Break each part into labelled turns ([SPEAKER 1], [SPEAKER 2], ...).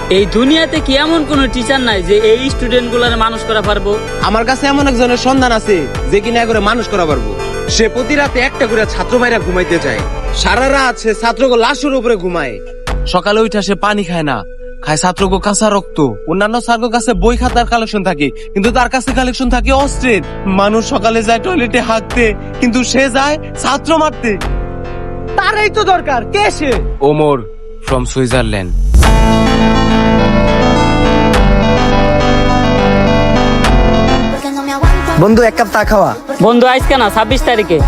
[SPEAKER 1] এই দুনিয়াতে কি এমন কোন টিচার নাই যে এই স্টুডেন্ট গুলার মানুষ করা পারবো?
[SPEAKER 2] আমার কাছে এমন একজনের সন্ধান আছে যে কিনা করে মানুষ করা পারবো। সে প্রতি রাতে একটা করে ছাত্র ভাইরা ঘুমাইতে চায়, সারা রাত সে ছাত্রকে লাশের উপরে ঘুমায়। সকালে উঠে সে পানি খায় না, খায় ছাত্রকে কাঁচা রক্ত। অন্যান্য স্যারের কাছে বই খাতার কালেকশন থাকে, কিন্তু তার কাছে কালেকশন থাকে অস্ত্রের। মানুষ সকালে যায় টয়লেটে হাঁকতে, কিন্তু সে যায় ছাত্র মারতে।
[SPEAKER 3] তারই তো দরকার। কে সে?
[SPEAKER 2] Omar from Switzerland.
[SPEAKER 3] বন্ধু, এক কাপ চা খাওয়া।
[SPEAKER 1] বন্ধু আজকে না 26 তারিখে।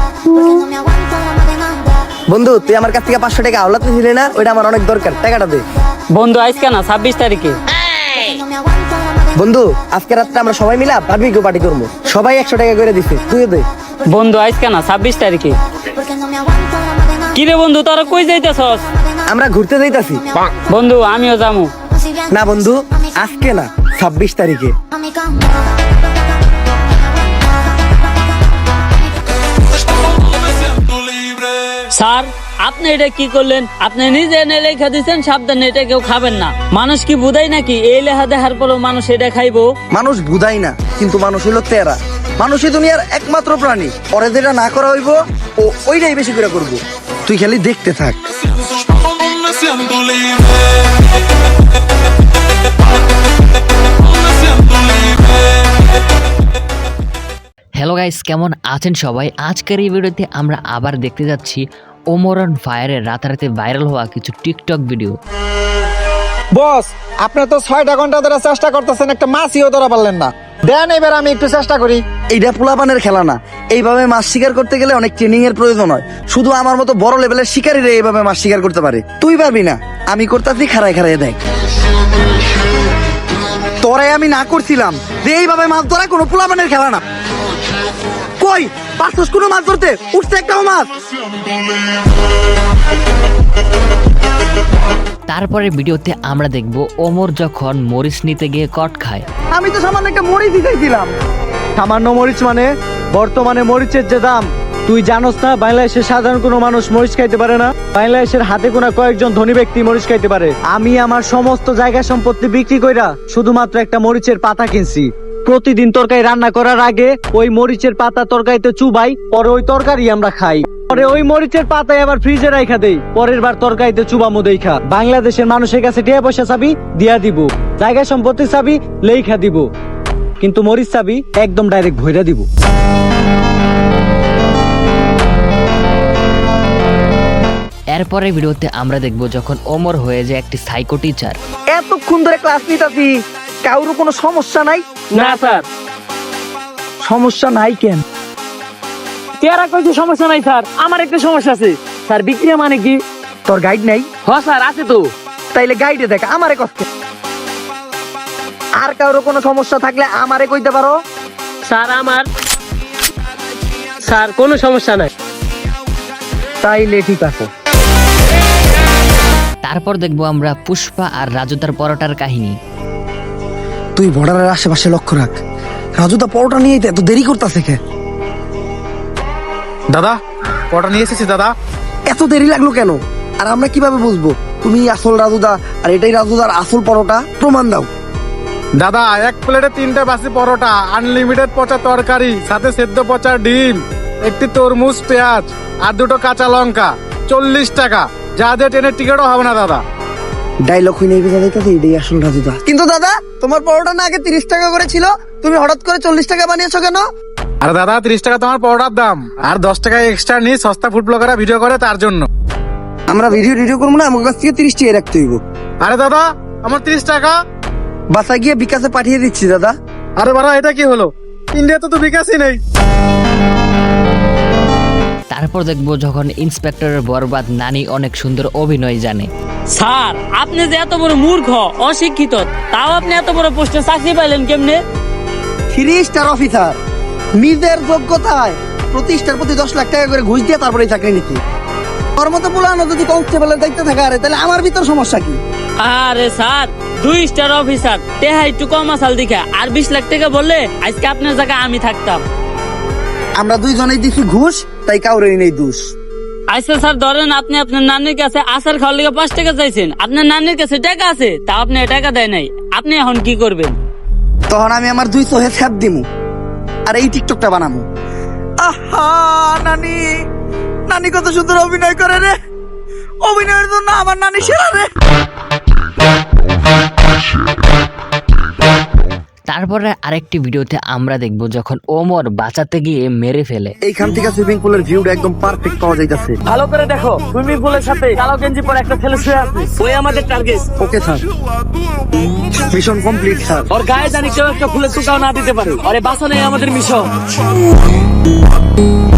[SPEAKER 3] বন্ধু, তুই আমার কাছ থেকে 500 টাকা আওলাতে ছিলে না, ওইটা আমার অনেক দরকার, টাকাটা দে।
[SPEAKER 1] বন্ধু আজকে না 26 তারিখে।
[SPEAKER 3] বন্ধু, আজকে রাত্রে আমরা সবাই মিলে বারবিকিউ পার্টি করবো। সবাই 100 টাকা করে দিছে, তুই দে।
[SPEAKER 1] বন্ধু আজকে না 26 তারিখে। কি রে বন্ধু, তোরা কই যাইতেছস?
[SPEAKER 3] আমরা ঘুরতে যাইতাছি।
[SPEAKER 1] বন্ধু আমিও যামু।
[SPEAKER 3] না বন্ধু, আজকে না, 26 তারিখে।
[SPEAKER 1] স্যার, আপনি এটা কি করলেন? আপনি নিজে এনে লেখা দিচ্ছেন সাবধানে এটা কেউ খাবেন না। মানুষ কি বুঝাই নাকি এই লেখা দেখার পরেও মানুষ এটা খাইবো?
[SPEAKER 3] মানুষ বুঝাই না, কিন্তু মানুষ হইলো তেরা। মানুষই দুনিয়ার একমাত্র প্রাণী। পরে যেটা না করা হইব ও ওইটাই বেশি করে করব। তুই খালি দেখতে থাক।
[SPEAKER 4] হ্যালো গাইস, কেমন আছেন সবাই? আজকের এই ভিডিওতে আমরা আবার দেখতে যাচ্ছি ওমর অন ফায়ারের রাতারাতি ভাইরাল হওয়া কিছু টিকটক ভিডিও।
[SPEAKER 5] বস, আপনি তো 6টা ঘন্টা ধরে চেষ্টা করতেছেন, একটা মাছিও ধরা পারলেন না। দেন এবার আমি একটু চেষ্টা করি।
[SPEAKER 3] এইটা পোলাপানের খেলা না। এইভাবে মাছ শিকার করতে গেলে অনেক ট্রেনিং এর প্রয়োজন হয়। শুধু আমার মতো বড় লেভেলের শিকারীরা এইভাবে মাছ শিকার করতে পারে। তুই পারবি না। আমি করতেছি, খাড়ায় খাড়ায় দেখ। তোরে আমি না করছিলাম যে এইভাবে মাছ ধরা কোনো পোলাপানের খেলা না। কই পারছস কোনো মাছ ধরতে? উঠছে একটাও মাছ।
[SPEAKER 4] তারপরে ভিডিওতে আমরা দেখব ওমর যখন মরিচ নিতে গিয়ে কট খায়।
[SPEAKER 3] আমি তো সামান্য একটা মরিচ দিতেছিলাম।
[SPEAKER 5] সামান্য মরিচ মানে? বর্তমানে মরিচের যে দাম তুই জানোস না? বাংলাদেশের সাধারণ কোনো মানুষ মরিচ খাইতে পারে না। বাংলাদেশের হাতে গোনা কয়েকজন ধনী ব্যক্তি মরিচ খাইতে পারে। আমি আমার সমস্ত জায়গা সম্পত্তি বিক্রি কইরা শুধুমাত্র একটা মরিচের পাতা কিনছি। প্রতিদিন তরকারি রান্না করার আগে ওই মরিচের পাতা তরকারিতে চুবাই, পরে ওই তরকারি আমরা খাই। পরে ওই মরিচের পাতায় আবার ফ্রিজে রাখা দেই, পরের বার তরকারিতে চুবামু দেইখা। বাংলাদেশের মানুষের কাছে টাকা পয়সা চাবি দিয়া দিব, জায়গা সম্পত্তি চাবি লেখা দিব, কিন্তু মরিচ চাবি একদম ডাইরেক্ট ভইরা দিব।
[SPEAKER 4] এরপরে ভিডিওতে আমরা দেখব যখন ওমর হয়ে যায় একটি সাইকো টিচার।
[SPEAKER 3] এতক্ষণ ধরে ক্লাস নিতাছি, কারোর কোনো সমস্যা নাই?
[SPEAKER 1] না স্যার।
[SPEAKER 3] সমস্যা নাই কেন?
[SPEAKER 1] তেরা কইছে সমস্যা নাই স্যার, আমার একটা সমস্যা আছে। স্যার বিক্রিয়া মানে কি?
[SPEAKER 3] তোর গাইড নাই?
[SPEAKER 1] হ স্যার আছে তো।
[SPEAKER 3] তাইলে গাইডে দেখ, আমারে কষ্ট। আর কারোর কোনো সমস্যা থাকলে আমারে কইতে পারো।
[SPEAKER 1] স্যার কোনো সমস্যা নাই।
[SPEAKER 3] তাইলে ঠিক আছে।
[SPEAKER 4] তারপর দেখব আমরা পুষ্পা আর রাজুদার পরোটার কাহিনী।
[SPEAKER 3] তুই বর্ডারের আশেপাশে লক্ষ্য রাখ। রাজুদা পরোটা নিয়ে এত দেরি করতেছে কে?
[SPEAKER 5] দাদা, পটা নিয়ে এসেছি দাদা।
[SPEAKER 3] এত দেরি লাগলো কেন? আর আমরা কিভাবে বুঝবো তুমি আসল রাজুদা আর এটাই রাজুদার আসল পরোটা? প্রমাণ দাও।
[SPEAKER 5] দাদা, এক প্লেটে 3টে বাসি পরোটা, আনলিমিটেড পচা তরকারি, সাথে সেদ্ধ পচা ডিম, একটি তরমুজ, পেঁয়াজ আর 2টো কাঁচা লঙ্কা, 40 টাকা। যা দিয়ে ট্রেনের টিকিটও হবে না দাদা।
[SPEAKER 3] ডায়লগ হয়ে নেই বেজা দেখতেছে, এটাই আসল রাজুদা। কিন্তু দাদা, তোমার পরোটা না আগে 30 টাকা করে ছিল, তুমি হঠাৎ করে 40 টাকা বানিয়েছো কেন?
[SPEAKER 5] আরে দাদা, 30 টাকা তোমার পরোটার দাম, আর 10 টাকা এক্সট্রা নিয়ে সস্তা ফুড ব্লগাররা ভিডিও করে, তার জন্য।
[SPEAKER 3] আমরা ভিডিও করবো না, আমার কাছ থেকে 30 টাকা রাখতে হইব।
[SPEAKER 5] আরে দাদা, আমার 30 টাকা
[SPEAKER 3] বাসায় গিয়ে বিকাশে পাঠিয়ে দিচ্ছি দাদা।
[SPEAKER 5] আরে বাড়া, এটা কি হলো? ইন্ডিয়াতে তো বিকাশই নেই।
[SPEAKER 4] তারপর দেখব যখন ইন্সপেক্টরের বরবাদ নানি অনেক সুন্দর অভিনয় জানে।
[SPEAKER 1] স্যার, আপনি যে এত বড় মূর্খ অশিক্ষিত, তাও আপনি এত বড় পোস্টে চাকরি পাইলেন কেমনে?
[SPEAKER 3] 3 স্টার অফিসার, নিজের যোগ্যতায় প্রতি স্টার প্রতি 10 লাখ টাকা করে ঘুষ দিয়ে তারপরে চাকরি নিতে। ওর মতো পুলানো যদি কনস্টেবলের দায়িত্ব থাকে, আরে তাহলে আমার ভিতর সমস্যা কি?
[SPEAKER 1] আরে স্যার, 2 স্টার অফিসার, টেহা একটু কম আসাল দেখা আর 20 লাখ টাকা বললে আজকে আপনার জায়গায় আমি থাকতাম।
[SPEAKER 3] আমরা দুইজনেই দিছি ঘুষ, তাই কাউরে নেই দোষ।
[SPEAKER 1] আচ্ছা স্যার, ধরেন আপনি আপনার নানির কাছে আচার খাওয়ার লিগে 5 টাকা চাইছেন, আপনার নানির কাছে টাকা আছে, তা আপনি টাকা দেয় নাই, আপনি এখন কি করবেন?
[SPEAKER 3] তখন আমি আমার 2 চোহে ছ্যাপ দিমু আর এই টিকটকটা বানাবো। আহা নানি, নানি কত সুন্দর অভিনয় করে রে, অভিনয়ের জন্য আমার নানি সেরা রে।
[SPEAKER 4] তারপরে আরেকটি ভিডিওতে আমরা দেখব যখন ওমর বাঁচাতে গিয়ে মেরে ফেলে।
[SPEAKER 3] এইখান থেকে সুইমিং পুলের ভিউটা একদম পারফেক্ট পাওয়া যাইতাছে।
[SPEAKER 1] ভালো করে দেখো, সুইমিং পুলের সাথে কালো গেঞ্জি পরে একটা ছেলে শুয়ে আছে, ওই আমাদের target.
[SPEAKER 3] Okay sir, mission complete sir.
[SPEAKER 1] ওর গায়ে জানি কেউ একটা ফুলের টুকাও না দিতে পারে, আরে বাঁচানোই আমাদের মিশন।